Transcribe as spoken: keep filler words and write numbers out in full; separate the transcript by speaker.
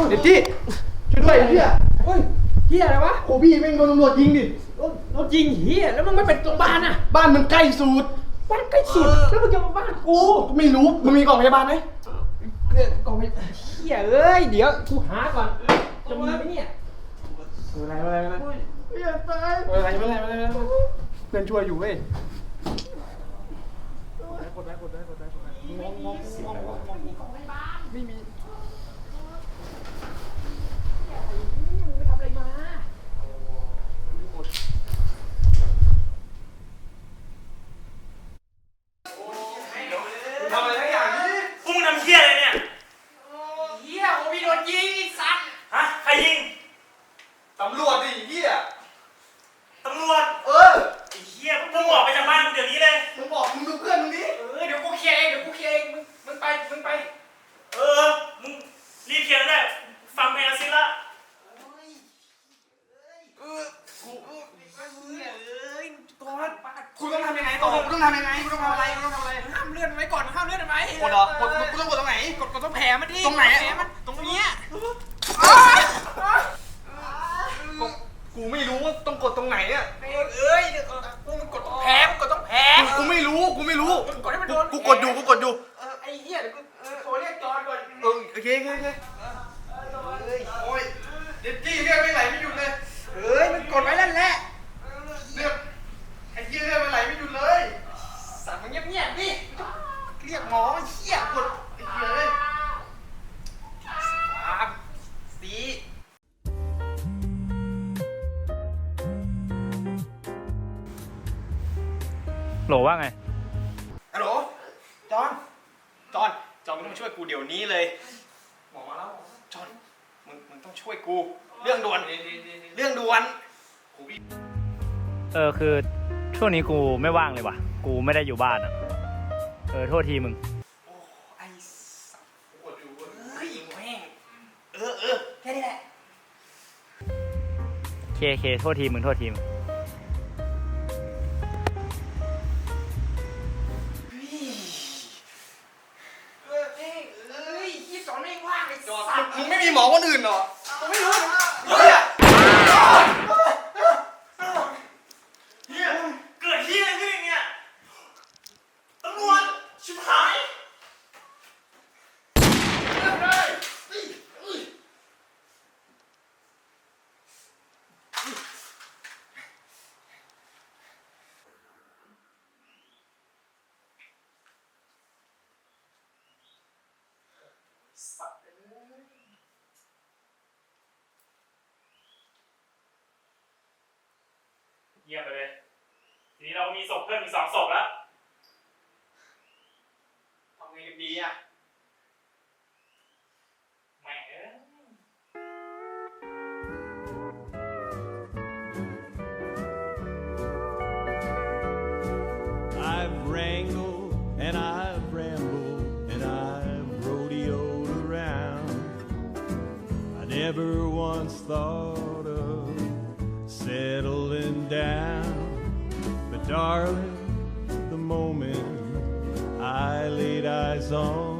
Speaker 1: เด็ดจี้ช่วยด้วยเฮีย
Speaker 2: เฮ้ยเฮียอะไรวะ
Speaker 1: โอ้พี่แม่งโดนตำรวจยิงดิ
Speaker 2: รถยิงเฮียแล้วมึงไม่เป็นโรงพยาบาลอ่ะ
Speaker 1: บ้านมันใกล้สุด
Speaker 2: บ้านใกล้สุดแล้วมึงจะมาบ้านกู
Speaker 1: ไม่รู้มึงมีกล่องพยาบาลไหม
Speaker 2: กล่องพยาบาลเฮียเอ้ยเดี๋ยวกูหาก่อนจะมีไหมเนี่ย
Speaker 1: อะไรอะไรอะไรอย่าตายอะไรอะไรอะไรอะไรเพื่อนช่วยอยู่เว้ยกดได้กดได้กดได้กดได้งงงงงงงงมีกล่องพยาบาลไม่มี
Speaker 2: มึงไปทำอะไรมา
Speaker 1: ทำอะไรทั้งอย่างนี้
Speaker 3: พวกมึงทำเหี้ยอะไรเนี่ย
Speaker 2: เฮียโอมีโดนยิงไอ้สัตว์
Speaker 3: ฮะใครยิง
Speaker 1: ตำรวจดิเฮีย
Speaker 3: ตำรวจ
Speaker 1: เออ
Speaker 3: ไอ้เหี้ยพวกมึงออกไปจากบ้านเดี๋ยวนี้เลย
Speaker 1: มึงบอกมึงดูเพื่อนมึงดิ
Speaker 2: เออเดี๋ยวกูเคลียร์เองเดี๋ยวกูเคลียร์เองมึงมึงไปมึงไป
Speaker 3: เออมึงรีบเคลียร์ได้ฟังเพลงซิละ
Speaker 2: เออกูเอ้ยก่อน
Speaker 1: คุณต้องทำยังไงต่อคุณต้องทำยังไงคุณต้องทำอะไรคุณต้องทำอะไร
Speaker 2: ห้ามเลื่อนไว้ก่อนห้ามเลื่อนไว้
Speaker 1: กดเหรอกดกูต้องกดตรงไหน
Speaker 2: กดกดตรงแผลมันดิ
Speaker 1: ตรงไหน
Speaker 2: แผลมันตรงเนี้ย
Speaker 1: กูไม่รู้ว่าต้องกดตรงไหนอ่ะ
Speaker 2: เอ้ยกูมันกดตรงแผลมันกดตรงแผล
Speaker 1: กูไม่รู้กูไม่รู้
Speaker 2: กดให้มันโดน
Speaker 1: กูกดอยู่กูกดอยู่
Speaker 2: เออไอ้เหี้ยเดี๋ยวกูโทรเรียกจอนก่อน
Speaker 1: เออโอเคโอเคโอเคโอ้ยเด็ดจี้เรียกไม่ไหลไม่หยุดเลย
Speaker 2: เอ้ยมันกดไว้นั่นแหละ
Speaker 1: เรียกไอ้จี้เรียกไม่ไหลไม่หยุดเลย
Speaker 2: สั่งมันเงียบๆดิเรียกหมอเหี้ยกด
Speaker 1: ไอ้เหี้ยเลย
Speaker 2: สามสี่
Speaker 3: โหลว่าไง
Speaker 2: ฮัลโหลจอนจอนจอนมึงต้องช่วยกูเดี๋ยวนี้เลยหมอมาแล้วจอนมึงมึงต้องช่วยกูเรื่องด่วนเรื่องด่วน
Speaker 3: เออคือช่วงนี้กูไม่ว่างเลยว่ะกูไม่ได้อยู่บ้านอ่ะเออโทษทีมึง
Speaker 2: โอ้ไอ้สัสปวดอยู่เฮ้ยแม่งเออเออแค่นี้แหละ
Speaker 3: เคเคโทษทีมึงโทษทีมึง
Speaker 1: มึงไม่มีหมอคนอื่นเหรอ
Speaker 2: กูไม่รู้
Speaker 1: เฮีย
Speaker 3: เฮียเกิดเฮียอะไรขึ้นเนี่ยตำรวจชิบหายเยี่ยมไปเลยทีนี้เรามีศพเพิ่มอีกสองศพแล้ว
Speaker 2: ทำไงกันดีอ่ะ
Speaker 3: แม่งเอ้ย
Speaker 4: I've wrangled and I've rambled and I've rodeoed around. I never once thought of settling down, but darling, the moment I laid eyes on